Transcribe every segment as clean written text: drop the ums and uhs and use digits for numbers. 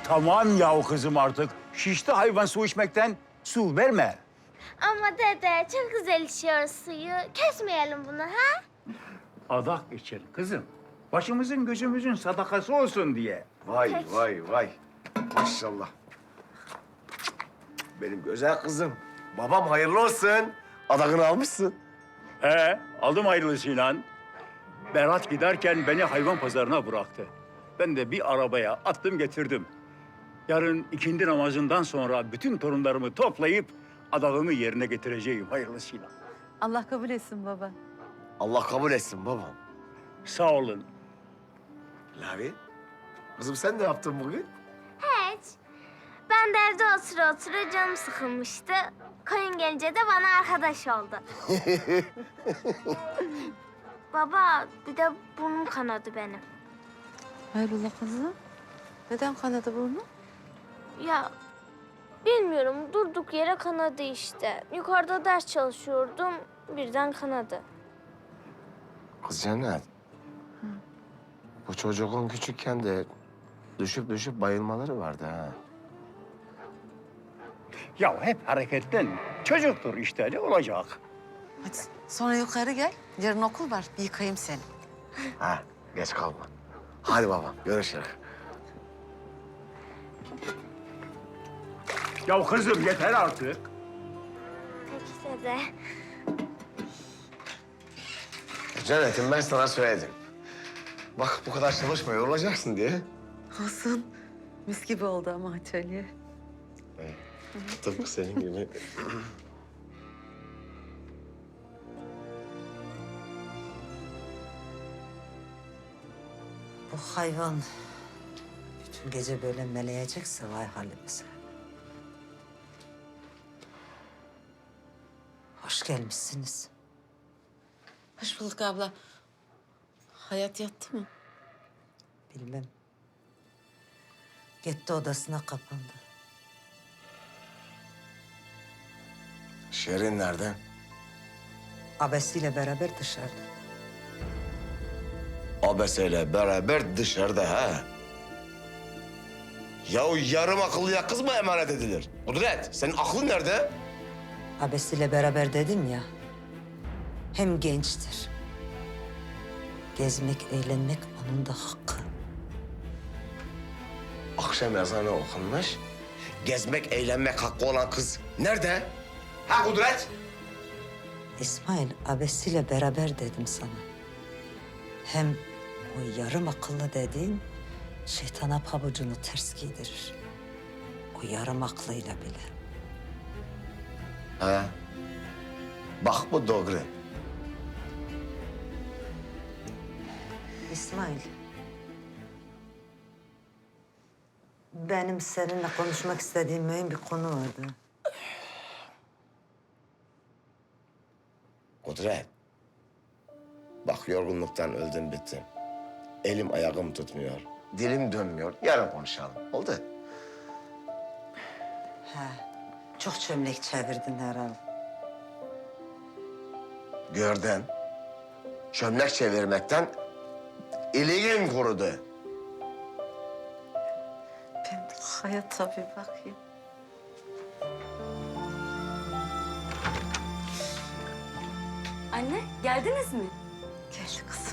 Tamam yahu kızım artık. Şişti hayvan su içmekten. Su verme. Ama dede çok güzel içiyoruz suyu. Kesmeyelim bunu ha? Adak içelim kızım. Başımızın gözümüzün sadakası olsun diye. Vay Peki. vay vay. Maşallah. Benim güzel kızım. Babam hayırlı olsun. Adakını almışsın. Aldım ayrılısıyla. Berat giderken beni hayvan pazarına bıraktı. Ben de bir arabaya attım getirdim. Yarın ikindi namazından sonra bütün torunlarımı toplayıp adağımı yerine getireceğim hayırlısıyla. Allah kabul etsin baba. Allah kabul etsin babam. Sağ olun. Lavi, kızım sen ne yaptın bugün? Hiç. Ben de evde otura canım sıkılmıştı. Koyun gelince de bana arkadaş oldu. Baba bir de burnum kanadı benim. Hayrola kızım? Neden kanadı burnu? Ya bilmiyorum durduk yere kanadı işte. Yukarıda ders çalışıyordum birden kanadı. Kız Cennet. Bu çocuğun küçükken de düşüp bayılmaları vardı ha. Ya hep hareketten çocuktur işte ne olacak? Hadi sonra yukarı gel. Yarın okul var. Bir yıkayayım seni. Ha, geç kalma. Hadi babam, görüşürüz. Ya kızım yeter artık. Peki dede. Cennet'im ben sana söyledim. Bak bu kadar çalışma, yorulacaksın diye. Olsun. Mis gibi oldu ama atölye. Tıpkı senin gibi. Bu hayvan bütün gece böyle meleyecekse vay halimize. Hoş gelmişsiniz. Hoş bulduk abla. Hayat yattı mı? Bilmem. Gitti odasına kapandı. Şerin nerede? Abesiyle beraber dışarıda. Abeseyle beraber dışarıda ha. Ya o yarım akıllıya kız mı emanet edilir? Kudret, senin aklın nerede? Abesiyle beraber dedim ya. Hem gençtir. Gezmek, eğlenmek onun da hakkı. Akşam ezanı okunmuş. Gezmek, eğlenmek hakkı olan kız nerede? Ha Kudret? İsmail, abesiyle beraber dedim sana. Hem o yarım akıllı dediğin şeytana pabucunu ters giydirir. O yarım aklıyla bile. Ha. Bak bu doğru. İsmail. Benim seninle konuşmak istediğim mühim bir konu vardı. Kudret. Bak yorgunluktan öldüm bittim. Elim ayağım tutmuyor. Dilim dönmüyor. Yarın konuşalım. Oldu? He, çok çömlek çevirdin herhalde. Gördün. Çömlek çevirmekten iliğim kurudu. Ben de hayata bir bakayım. Anne, geldiniz mi? Gel kızım.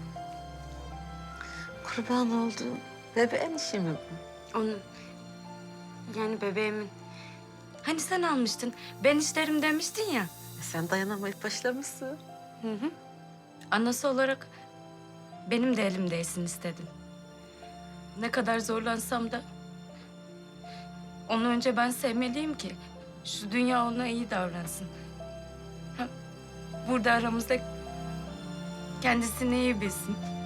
Kurban olduğum bebeğin işi mi bu? Onun. Yani bebeğimin. Hani sen almıştın, ben isterim demiştin ya. Sen dayanamayıp başlamışsın. Hı hı. Anası olarak benim de elimdeysin istedim. Ne kadar zorlansam da onu önce ben sevmeliyim ki şu dünya ona iyi davransın. Ha, burada aramızda kendisini iyi bilsin.